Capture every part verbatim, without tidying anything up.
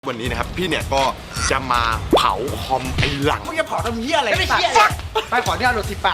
วันนี้นะครับพี่เนี่ยก็จะมาเผาคอมไอ้หลังมึงจะเผาทำเหี้ยอะไรไม่เหี้ยไปขอที่เอาหลุดสิปาก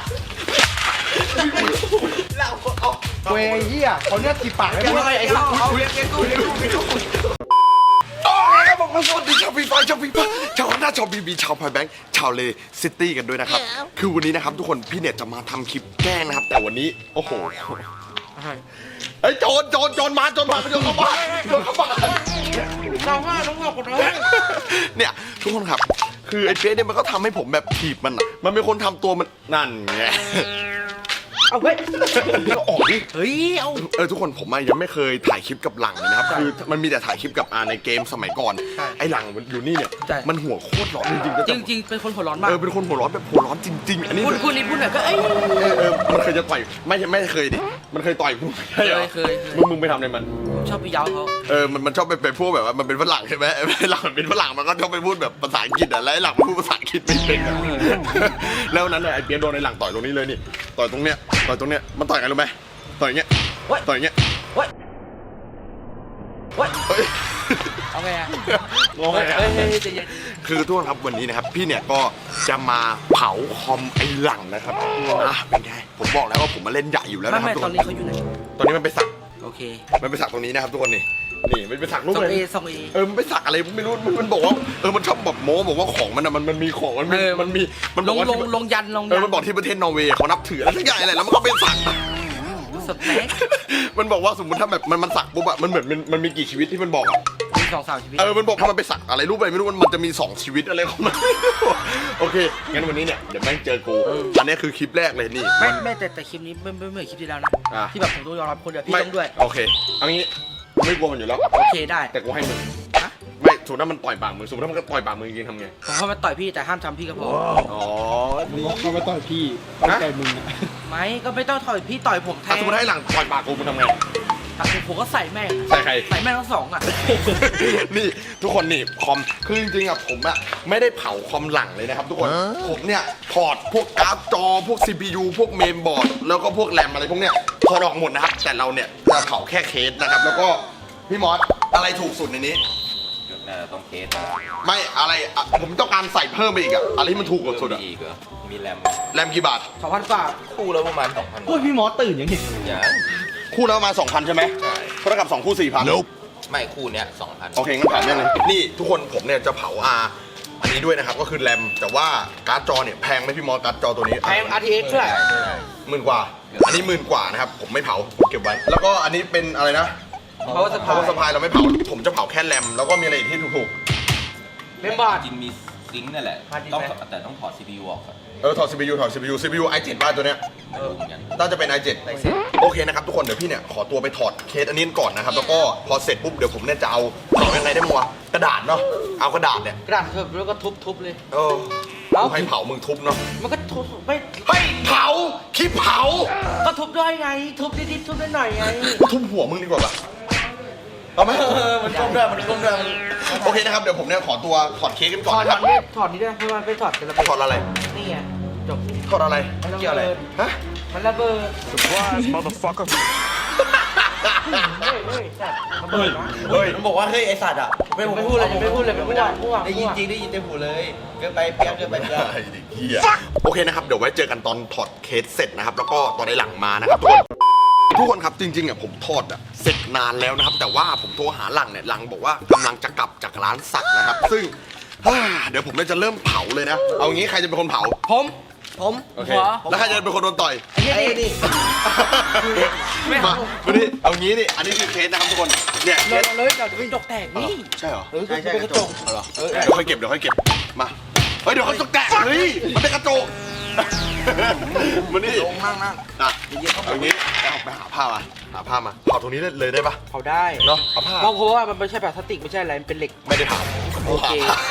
เราเอาเว้ยเหี้ยเขาเนี่ยสิปากไม่ได้ไอ้สัตว์เอาเรียกเรียกกูเรียกกูเรียกกูโอเคครับผมสวัสดีชาวฟีฟ่าชาวฟีฟ่าชาวหน้าชาวบีบีชาวพายแบงค์ชาวเลซิตี้กันด้วยนะครับคือวันนี้นะครับทุกคนพี่เนี่ยจะมาทำคลิปแกล้งนะครับแต่วันนี้โอ้โหไอ้โจรโจรโจรมาโจรมาโจรเข้าบ้านโจรเข้าบ้านเราว่าต้องบอกกันเลยเนี่ยทุกคนครับคือไอ้เป๊ะเนี่ยมันก็ทำให้ผมแบบถีบมันอ่ะมันเป็นคนทำตัวมันนั่นไงเอาเว้ยก็ออกดิเฮ้ยเอาเออทุกคนผมยังไม่เคยถ่ายคลิปกับหลังเลยนะครับคือมันมีแต่ถ่ายคลิปกับอาในเกมสมัยก่อนไอ้หลังมันอยู่นี่เนี่ยมันหัวโคตรร้อนจริงๆจริงจริงเป็นคนหัวร้อนมากเออเป็นคนหัวร้อนแบบหัวร้อนจริงๆอันนี้พูดพูดนี่พูดหน่อยก็เอ้ยเออเออมันเคยจะต่อยไม่ไม่เคยดิมันเคยต่อยกูใช่เหรอเคยมึงมึงไปทำอะไรมันชอบไปย้าเขาเออมันมันชอบไปไปพูดแบบว่ามันเป็นฝรั่งใช่ไหมหลังมันเป็นฝรั่งมันก็ชอบไปพูดแบบภาษาอังกฤษอ่ะแล้วไอ้หลังมันพูดภาษาอังกฤษไม่เป็นแล้วนั้นไอ้เปียโดนไอ้หลังต่อยตรงนี้เลยนี่ต่อยตรงเนี้ยต่อยตรงเนี้ยมันต่อยกันรู้ไหมต่อยอย่างเงี้ยต่อยอย่างเงี้ยเว้ยเว้ยเอาไงอะงงเลยคือทุกคนครับวันนี้นะครับพี่เนี่ยก็จะมาเผาคอมไอ้หลังนะครับอ่ะเป็นไงผมบอกแล้วว่าผมมาเล่นใหญ่อยู่แล้วนะครับตอนนี้เขาอยู่ไหนตอนนี้มันไปสักโอเคมันไปสักตรงนี้นะครับทุกคนนี่นี่มันไปสักรูปอะไรสองเอเออมันไปสักอะไรไม่รู้มันบอกว่าเออมันชอบแบบโม้บอกว่าของมันอะมันมันมีของมันมีมันมีมันลงลงลงยันลงเออมันบอกที่ประเทศนอร์เวย์เขานับถืออะไรสักอย่างอะไรแล้วมันก็ไปสักสเต็กมันบอกว่าสมมติถ้าแบบมันมันสักปุ๊บอะมันเหมือนมันมันมีกี่ชีวิตที่มันบอกอะมีสองสามชีวิตเออมันบอกถ้ามันไปสักอะไรรูปอะไรไม่รู้มันมันจะมีสองชีวิตอะไรของมันโอเคงั้นวันนี้เนี่ยเดี๋ยวแม่งเจอกูอันนี้คือคลิปแรกเลยนี่ไม่ไม่แต่แต่คลิปนี้ไม่ไม่เหมือนคลิปที่แล้วนะที่แบบผมต้องยอมรับคนเดียวพี่ต้องด้วยโอเคเอางี้ไม่กลัวมันอยู่แล้วโอเคได้แต่กูให้มึงไม่สมมติถ้ามันต่อยปากมึงสมมติถ้ามันก็ต่อยปากมึงจริงๆทำไงผมเข้ามาต่อยพี่แต่ห้ามทำพี่ก็พออ๋อเขาไม่ต่อยพี่เขาต่อยมึงไม่ก็ไม่ต้องต่อยพี่ต่อยผมแทนสมมติให้หลังต่อยปากกูมึงทำไงผมก็ใส่แม่งใส่ใครใส่แม่งทั้งสองอ่ะนี่ทุกคนนี่คอมคือจริงๆอ่ะผมอ่ะไม่ได้เผาคอมหลังเลยนะครับทุกคนผมเนี่ยถอดพวกการ์ดจอพวก ซี พี ยู พวกเมนบอร์ดแล้วก็พวกแรมอะไรพวกเนี้ยถอดออกหมดนะครับแต่เราเนี่ยจะเผาแค่เคสนะครับแล้วก็พี่มอสอะไรถูกสุดในนี้น่าจะต้องเคสไม่อะไรผมต้องการใส่เพิ่มไปอีกอะอะไรที่มันถูกกว่าสุดอะอีกเหรอมีแรมแรมกี่บาทสองพันบาทคู่แล้วประมาณสองพันโอ้ยพี่มอสตื่นยังเห็นอย่างคู่แล้วมาสองพันใช่ไหมใช่เท่ากับสองคู่สี่พันไม่คู่เนี้ยสองพันโอเคงั้นผ่านเรื่องเลยนี่ทุกคนผมเนี่ยจะเผาอาอันนี้ด้วยนะครับก็คือแรมแต่ว่าการ์ดจอเนี่ยแพงไหมพี่มอสการ์ดจอตัวนี้แพง อาร์ ที เอ็กซ์ เท่าไหร่หมื่นกว่าอันนี้หมื่นกว่านะครับผมไม่เผาเก็บไว้แล้วก็อันนี้เป็นอะไรนะเพราะว่าสปายสปายเราไม่เผาผมจะเผาแค่แรมแล้วก็มีอะไรอีกที่ถูกๆเมมบอร์ดจริงมีซิงค์นั่นแหละต้องแต่ต้องถอด ซี พี ยู ออกก่อนเออถอด ซี พี ยู ถอด ซี พี ยู ซี พี ยู ไอ เซเว่น บ้านตัวเนี้ยน่าจะเป็น ไอ เซเว่น โอเคนะครับทุกคนเดี๋ยวพี่เนี่ยขอตัวไปถอดเคสอันนี้ก่อนนะครับแล้วก็พอเสร็จปุ๊บเดี๋ยวผมเนี่ยจะเอาเผายังไงได้มั้งวะกระดาษเนาะเอากระดาษเนี่ยกระดาษเถอะแล้วก็ทุบๆเลยเออให้เผามึงทุบเนาะมันก็ทุบไม่ให้เผาคลิปเผาก็ทุบด้วยไงทุบนิดๆทุบนิดหน่อยไงทุบหัวมึงดีกว่าปะเอาไหมมันก้มด้วยมันก้มด้วยโอเคนะครับเดี๋ยวผมเนี่ยขอตัวถอดเค้กกันก่อนนะครับถอดนี่ด้วยเพราะมันไปถอดกันระเบิดถอดอะไรนี่ไงจบถอดอะไรเกี่ยวอะไรฮะมันระเบิด surprise motherfucker เฮ้ยเฮ้ยสัตว์ระเบิดนะเฮ้ยมันบอกว่าเฮ้ยไอสัตว์อ่ะไม่ไม่พูดเลยไม่พูดเลยไม่พูดพูดได้ยินจริงได้ยินเต็มหูเลยเกินไปเปียกเกินไปเปียกโอเคนะครับเดี๋ยวไว้เจอกันตอนถอดเคสเสร็จนะครับแล้วก็ตอนในหลังมานะครับทุกคนทุกคนครับจริงๆอ่ะผมทอดอ่ะเสร็จนานแล้วนะครับแต่ว่าผมโทรหาหลังเนี่ยหลังบอกว่ากำลังจะกลับจากร้านสักนะครับซึ่งเดี๋ยวผมจะเริ่มเผาเลยนะเอางี้ใครจะเป็นคนเผาผมผมโอเคแล้วใครจะเป็นคนโดนต่อยไอ้นี่มาวันนี้เอางี้นี่อันนี้คือเคสนะครับทุกคนเนี่ยเลยเลยเราจะเป็นจกแตกนี่ใช่เหรอใช่ใช่กระจกเหรอเดี๋ยวค่อยเก็บเดี๋ยวค่อยเก็บมาเฮ้ยเดี๋ยวเขาจกแตกเฮ้ยมันเป็นกระจกมันนี่ลงนั่งนั่งอ่ะเอางี้เอาไปหาผ้ามาหาผ้ามาเผาตรงนี้เลยได้ปะเผาได้เนาะเอาผ้าเพราะว่ามันไม่ใช่แบบพลาสติกไม่ใช่อะไรมันเป็นเหล็กไม่ได้เผาโอเค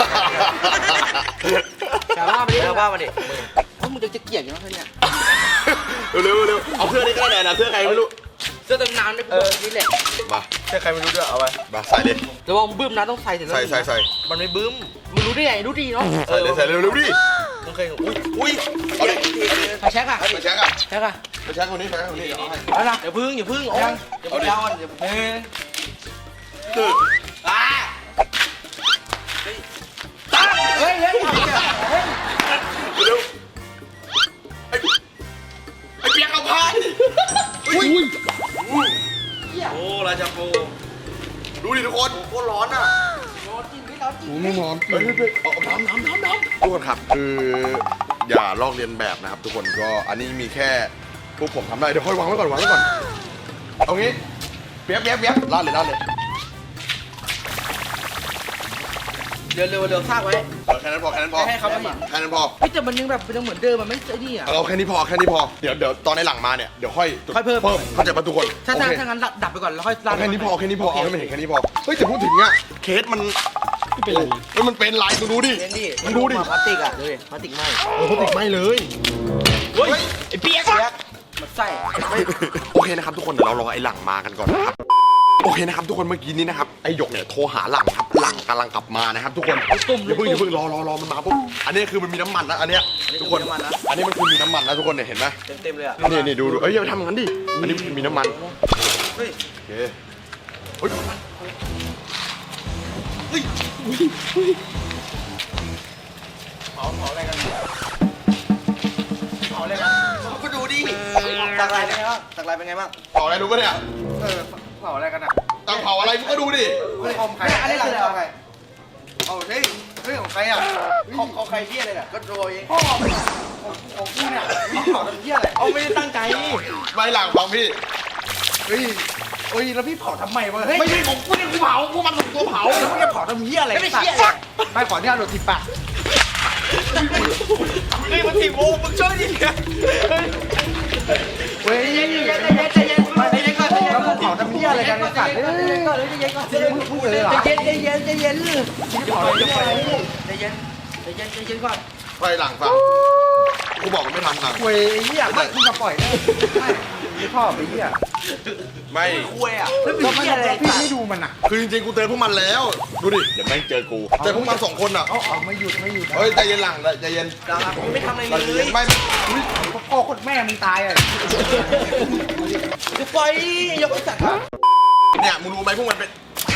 แต่ว่ามาดิแต่ว่ามาดิเพราะมึงจะเกลียดอยู่แล้วเนี่ยเร็วเร็วเอาเสื้อนี่ก็ได้นะเสื้อใครไม่รู้เสื้อเต็มน้ำนี่นี่แหละมาเสื้อใครไม่รู้ด้วยเอาไปมาใส่เลยแต่ว่าบึ้มนะต้องใส่เสร็จแล้วใส่ใส่ใส่มันไม่บึ้มมึงรู้ได้ไงรู้ดีเนาะใส่เลยใส่เร็วเร็วดิมึงเคยอุ้ยอุ้ยเอาดิไปเช็คอะไปเช็คอะเช็คอะไปเช็คคนนี้ไปเช็คคนนี้เอาให้เอาละอย่าพึ่งอย่าพึ่งเอาอย่าพึ่งย้อนอย่าพึ่งอ่ากูไม่ร้อนเฮ้ยเฮ้ยเอาน้ำน้ำน้ำน้ำทุกคนครับคืออย่าลอกเลียนแบบนะครับ ทุกคนก็อันนี้มีแค่พวกผมทำได้เดี๋ยวค่อยวางไว้ก่อนวางไว้ก่อนเอางี้เปียบเปียบเปียบลาดเลยลาดเลยเร็วเร็วเร็วซากไว้เออแค่นั้นพอแค่นั้นพอให้เขาไม่เห็นแค่นั้นพอพี่แต่มันยังแบบมันยังเหมือนเดิมมันไม่ใช่นี่อ่ะเอาแค่นี้พอแค่นี้พอเดี๋ยวเดี๋ยวตอนในหลังมาเนี่ยเดี๋ยวค่อยจุดค่อยเพิ่มเพิ่มเข้าใจป่ะทุกคนถ้าโอถ้าเคถ้างั้นดับไปก่อนแล้วค่อยเอาแค่นี้พอแค่นี้พอเอาให้มันเห็นแค่นี้พอเฮ้ยแต่พูดถึงอะเคสมันไม่เป็นไรเฮ้ยมันเป็นลายมึงดูดิเล่นดิมึงดูดิพลาสติกอ่ะดูดิพลาสติกไหมเออเขาติดไม่เลยเฮ้ยไอ้เปียกมันใส่โอเคนะครับทุกคนเดี๋ยวเรารอไอ้หลังมากันก่อนนะครับโอเคนะครับทุกคนเมื่อกี้นี้นะครับไอ้หยกเนี่ยโทรหาหลังครับหลังกำลังกลับมานะครับทุกคนตุ่มอย่าเพิ่งอย่าเพิ่งรอรอรอมันมาปุ๊บอันนี้คือมันมีน้ำมันนะอันเนี้ยทุกคนอันนี้มันคือมีน้ำมันนะทุกคนเนี่ยเห็นไหมเต็มเต็มเลยอ่ะนี่นี่ดูดูเอ้ยอย่าไปทำอย่างนั้นดิอันนี้มีน้ำมันเฮ้ยโอเคเฮ้ยเผาเผาอะไรกันเผาอะไรกันก็ดูดิสักลายเป็นไงบ้างสักลายเป็นไงบ้างเผาอะไรรู้ปะเนี่ยเออเผาอะไรกันอ่ะตั้งเผาอะไรมึงก็ดูดิเฮ้ยของใครอันนี้คืออะไรของใครเอาเฮ้ยเฮ้ยของใครอ่ะของของใครเที่ยอะไรเนี่ยก็โดยพ่อของของกูเนี่ยเผาทำเที่ยอะไรเอาไม่ได้ตั้งใจไม่หลังฟังพี่เฮ้ยเฮ้ยแล้วพี่เผาทำไมวะเฮ้ยไม่ใช่ของกูเนี่ยกูเผากูมันของตัวเผาแล้วมึงจะเผาทำเหี้ยอะไรไม่เหี้ยไม่ขอเนี่ยโดนทิปปะนี่มันทิปโอ้มึงช่วยดิเฮ้ยใจเย็นใจเย็นใจเย็นใจเย็นก่อนแล้วมึงเผาทำเหี้ยอะไรกันไอ้สัตว์ใจเย็นก่อนใจเย็นก่อนมึงพูดเลยเหรอใจเย็นใจเย็นใจเย็นมึงเผาทำเหี้ยอะไรใจเย็นใจเย็นใจเย็นก่อนไปหลังฟังกูบอกมันไม่ทำหลังเว้ยเหี้ยไม่มึงมาปล่อยนะไม่ไม่พ่อไปเหี้ยไม่คุยอ่ะแล้วเป็นเหี้ยอะไรพี่ไม่ดูมันอ่ะคือจริงๆกูเตือนพวกมันแล้วดูดิเดี๋ยวแม่งเจอกูแต่พวกมันสองคนอ่ะเอาเอาไม่หยุดไม่หยุดเฮ้ยใจเย็นหลังใจเย็นผมไม่ทำอะไรใจเลเย็ยนไม่พ่อคนแม่มึงตายอ่ะจะปล่อยยกไอ้สัตว์เนี่ยมึงรู้ไหมพวกมันเป็น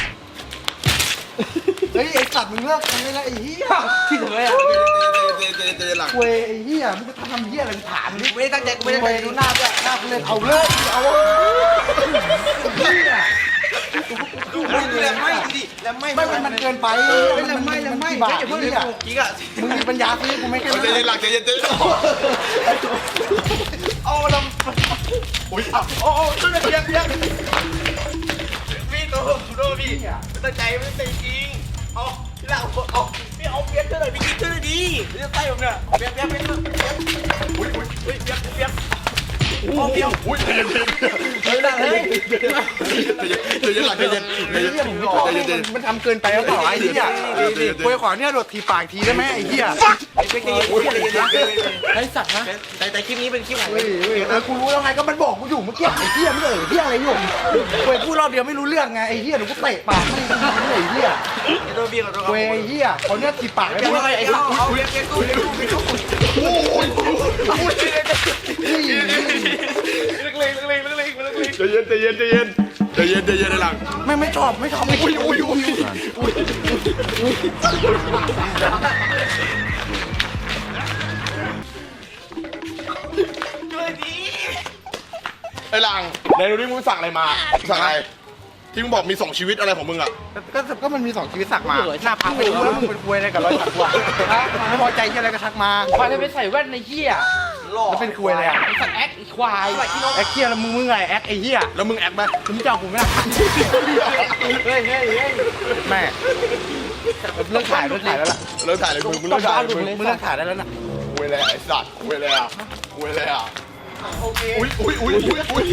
เฮ้ยไอ้สัตว์มึงเลิกทำได้แล้วไอ้เหี้ยที่เหลืออ่ะใจเย็นใจเย็นใจเย็นหลังเว้ยไอ้เหี้ยมึงจะทำเหี้ยอะไรถามดิไม่ได้ตั้งใจกูไม่ได้ตั้งใจดูหน้าด้วยหน้ากูเลยเอาเลยเอาเหี้ยแล้วไม่ดิแล้วไม่ไม่มันเกินไปแล้วไม่แล้วไม่อย่าเพิ่งเลยกิ๊กอ่ะมึงมีปัญญาซื้อกูไม่แค่ใจเย็นหลังใจเย็นใจเย็นเอาลำอุ้ยเอาโอ้โอ้ช่วยเพียงเพียงพี่โตโตพี่ตั้งใจไม่ตั้งจริงเอาพี่หลังเอาพี่เอาเพียงเท่าไหร่พี่กิ๊กเท่าไหร่ดีจะใต้ผมเนี่ยเพียงเพียงเพียงอุ้ยอุ้ยอุ้ยเพียงเพียงโอ้เพียงอุ้ยใจเย็นใจเย็นเฮ้ยหลังเฮ้ยใจเย็นหลังใจเย็นใจเย็นใจเย็นใจเย็นมันทำเกินไปแล้วเปล่าไอ้เหี้ยกูขอเนี่ยโดดทีปากทีได้ไหมไอ้เหี้ยไอ้เป็นไงไอ้สัตว์นะแต่แต่คลิปนี้เป็นคลิปไหนเออกูรู้แล้วไงก็มันบอกกูอยู่เมื่อกี้ไอ้เหี้ยไม่เออเหี้ยอะไรอยู่เว้ยพูดรอบเดียวไม่รู้เรื่องไงไอ้เหี้ยหนูก็เตะปากไม่ได้ไอ้เหี้ยโดนเบียร์กับเว้ยไอ้เหี้ยเขาเนี่ยทีปากไม่ได้ไอ้สัตว์เอาเรียกเรียกกูเรียกกูเรียกกูโอ้ย ใจเย็นใจเย็นใจเย็นใจเย็นใจเย็นในหลังไม่ไม่ชอบไม่ชอบไม่อุ้ยอุ้ยอุ้ยอุ้ยไอ้หลังไหนดูดิมึงสั่งอะไรมาสั่งอะไรที่มึงบอกมีสองชีวิตอะไรของมึงอ่ะก็ก็มันมีสองชีวิตสักมาหน้าพังไปดูแล้วมึงเป็นควยอะไรกับรอยสักวะไม่พอใจที่อะไรก็ทักมาควายเลยไปใส่แว่นในเหี้ยแล้วเป็นควยอะไรอ่ะสัตว์แอคอีควายแอคเคียแล้วมึงมึงไงแอคไอ้เหี้ยแล้วมึงแอคไหมมึงจะเอากูไหมล่ะเฮ้ยเฮ้ยเฮ้ยแม่เลิกถ่ายเลิกถ่ายแล้วล่ะเลิกถ่ายเลยมึงมึงเลิกถ่ายมึงมึงเลิกถ่ายได้แล้วนะคุยเลยไอ้สัตว์คุยเลยอ่ะคุยเลยอ่ะอุ้ยอุ้ยอุ้ยอุ้ยอุ้ย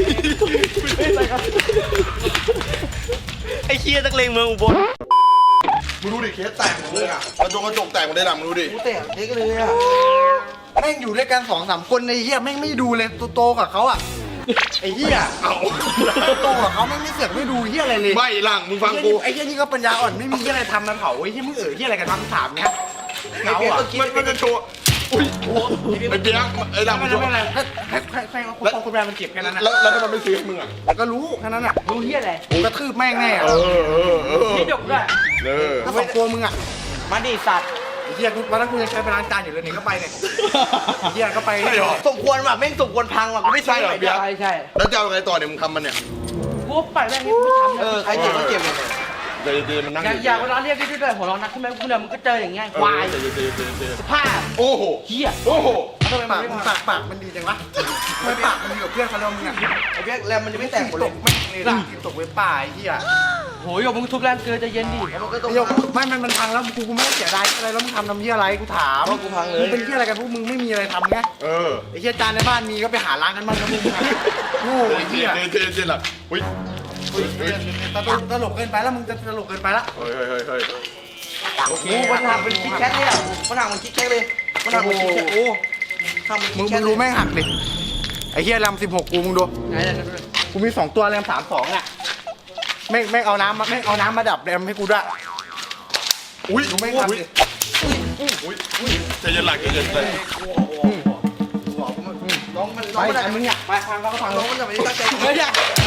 ไอ้เหี้ยนักเลงเมืองอุบลมึงดูดิเคสแตกหมดเลยอ่ะกระจกกระจกแตกหมดเลยหลังมึงดูดิกูเตะเด็กเลยอ่ะแม่งอยู่ด้วยกันสองสามคนไอ้เหี้ยแม่งไม่ดูเลยโตๆกับเขาอ่ะไอ้เหี้ยเอาโตกับเขาแม่งไม่เสือกไม่ดูเหี้ยอะไรเลยไม่หลังมึงฟังกูไอ้เหี้ยนี่ก็ปัญญาอ่อนไม่มีเหี้ยอะไรทำนะเผาไอ้เหี้ยมึงเอ๋อเหี้ยอะไรกันทำถามเนี้ยไอ้เปียกมันมันจะโชว์อุ้ยไอ้เปียกไอ้หลังไม่มันโชไม่ว์ไม่ให้ให้ให้ให้คนคนแบรนด์มันเก็บแค่นั้นนะแล้วแล้วทำไมไม่ซื้อให้มึงอ่ะก็รู้แค่นั้นอ่ะดูเหี้ยอะไรกูกระทืบแม่งแน่เออเออเออพี่ดกด้วยเออถ้าสองตัวมึงอ่ะมาดิสัตว์ไอ้เหี้ยกูวันนั้นกูยังใช้ไปล้างจานอยู่เลยนี่ก็ไปเนี่ยไอ้เหี้ยก็ไปใช่เหรอสมควรว่ะแม่งสมควรพังว่ะกูไม่ใช่เหรอเปียกใช่ใช่แล้วจะเอาไงต่อเนี่ยมึงทำมันเนี่ยกูไปแม่งไม่ทำเออใครเจ็บก็เจ็บเลยเดี๋ยวเดี๋ยวมันนั่งอย่าอย่าเวลาเรียกพี่ด้วยหัวเร้อนนักขึ้นไหมคุณเดิมมึงก็เจออย่างเงี้ยควายเดี๋ยวเดี๋ยวเดี๋ยวเดี๋ยวสภาพโอ้โหเหี้ยโอ้โหทำไมมัปาน กไม่มึงมาปากปากมันดีจังวะทำไมปากมันดีกับเพื่อนเขาแล้วมึงอ่ะไอ้เบี้ยแล้วมันจะไม่แตกหมดเลตยกไม่เลยล่ะตกเว็บป่าไอ้เหี้ยโหยมึงทุบแรงเกินใจเย็นดิแล้วมันก็ต้องเดี๋ยวกูไม่มันมันพังแล้วกูกูไม่ได้เสียดายอะไรแล้วมึงทำทำเหี้ยอะไรกูถามกูพังเลยมึงเป็นเหี้ยอะไรกันพวกมึงไม่มีอะไรทำไงเออไอ้เหี้ยจานในบ้านมีก็ไปหาล้างกันบ้างนะมึงอะโง่ไอ้เดี๋เหี้ยยวเดี๋ยวเดี๋ยวเดี๋ยวล่ะอุ้ยเฮ้ยตลกตลกเกินไปแล้วมึงจะตลกเกินไปละเฮ้ยเฮ้ยเฮ้ยเฮ้ยโอเคกูมันทำเป็นคิกแคทเลยอ่ะมันทำเป็นคิกแคทเลยมันทำเป็นคิกแคทโอ้ทำเป็นมึคิงกแคมึทงรู้แม่งหักดิไอ้เหี้ยแรมสิบหกกูมึงดูไหนไหนไหนกูมีสองตัวแรมสามสองอ่ะแม่งแม่งเอาน้ำมาแม่งเอาน้ำมาดับแรมให้กูด้วยอุ้ยดูแม่งอุ้ยทำดิอุ้ยอุ้ยใจเย็นหลักใจเย็นเลยน้องมันน้ไปองมันไอ้มึงเนี่ยไปพังก็พังน้องมันจะไม่ได้ตั้งใจเฮ้ย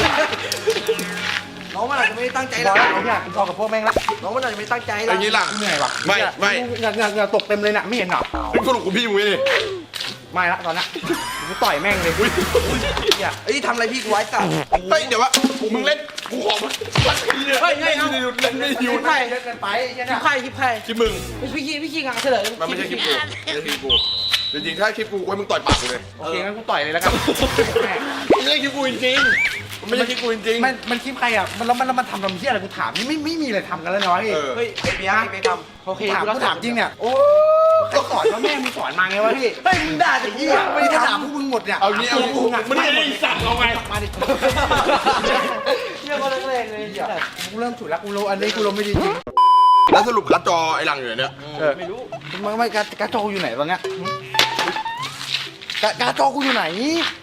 น้องมันอาจจะไม่ได้ตั้งใจบแล้อวลไอ้เนี่ยกูพอกับพวกแม่งละน้องมันอาจจะไม่ตั้งใจอแล้วย่างนี้ล่ะเหนื่อยว่ะไม่ไม่เหงื่อเหงื่อเหงื่อตกเต็มเลยน่ะไม่เห็นเหรอเป็นสรุปของพี่มึงนี่ไม่ละตอนนี้กูต่อยแม่งเลยอุ้ยเอ้ยทำอะไรพี่กูไว้สัตว์เฮ้ยเดี๋ยววะมึงเล่นกูขอมาสักทีเนี่ยเฮ้ยไงเอาเล่นไม่หยุดไพ่เยอะเกินไปไอ้เหี้ยคลิเนี่ปยไพ่คลิปไพ่คลิปมึงพี่ขี้พี่ขี้งานเฉลยมันไม่ใช่คลิปกูไม่ใช่คลิปกูจริงๆถ้าคลิปกูไว้มึงต่อยปากกูเลยโอเคงั้นกูต่อยเลยแล้วกันแม่ไม่ใช่คลิปกูจริงๆมันไม่ใช่คลิปกูจริงๆมันมันคลิปใครอ่ะมันแล้วมันแล้วมันทำทำเหี้ยอะไรกูถามนี่ไม่ไม่มีอะไรทำกันแล้วน้อยเออเฮ้ยไอ้เบียร์ไอ้เบียร์ทำโอเคถามกูรับกูถามจริงเนี่ยโอ้ใครสอนว่าแม่มึงสอนมาไงวะพี่เฮ้ยมึงด่าแต่ไอ้ยี่เหี้ยไม่ไม่ได้ได้ถาถาม มพวกมึงหมดเนี่ยเอางี้เอางี้มึงอ่ะมันไม่ได้สั่งเอาไงมาดิเรื่องอะไรเลยเลยเหี้ยกูเริ่มถูกแล้วกูรู้อันนี้กูรู้ไม่ดีจริงแล้วสรุปการ์ดจอไอ้หลังอยู่ไหนเนี่ยเออไม่รู้มึงไม่การการจออยู่ไหนตอนเนี้ยการการจอกูอยู่ไหน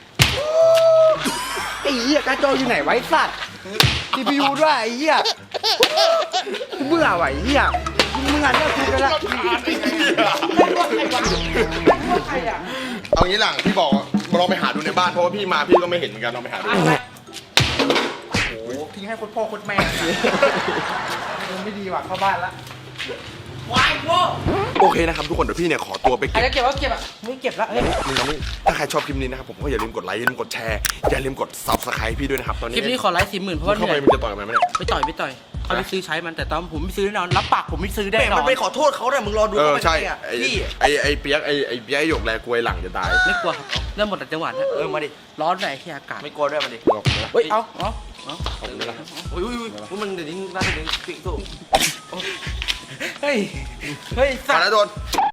ไอ้เหี้ยการจออยู่ไหนไว้สัตว์ซีพียูด้วยไอ้เหี้ยกูเบื่อว่ะไอ้เหี้ยมึงอ่านเรื่องกูกันละใครอ่ะเอางี้หลังพี่บอกลองไปหาดูในบ้านเพราะว่าพี่มาพี่ก็ไม่เห็นเหมือนกันลองไปหาดูโอ้โหทิ้งให้คนพ่อคนแม่มันไม่ดีว่ะเข้าบ้านละวายโว้โอเคนะครับทุกคนเดี๋ยวพี่เนี่ยขอตัวไปไอ้เก็บเก็บว่าเก็บอ่ะไม่เก็บแล้วเฮ้ยมึงเอานี่ถ้าใครชอบคลิปนี้นะครับผมก็อย่าลืมกดไลค์อย่าลืมกดแชร์อย่าลืมกด ซับสไครบ์ พี่ด้วยนะครับตอนคนี้ลิปนี้ขอไลค์สี่หมื่นเพราะว่าเหเข้านื่ไปอยมึงจะต่อยกันไหมเนี่ยไม่ต่อยไม่ต่อยเขาไปซื้อใช้มันแต่ตอนผมไม่ซื้อแน่นอนรับปากผมไม่ซื้อแน่นอนมันไปขอโทษเขาแต่มึงรอดูเออว่ามันใช่ไงอะไอ้พี่ไอ้ไอ้เปียกไอ้ไอ้เปียกไอ้หยกแลกลวยหลังจะตายไม่กลัวครับเริ่มหมดแต่จังหวะนะเออมาดิร้อนไหนที่อากาศไม่กลัวด้วยมาดิบอกนะเฮ้ยเอาเอาเอาขอบคุณนะอุ้ยอุ้ยอุ้ยพวกมันเดี๋ยวนี้น่าจะเป็นปิ่งสู้เฮ้ยเฮ้ยสัมาตว์แล้วโดน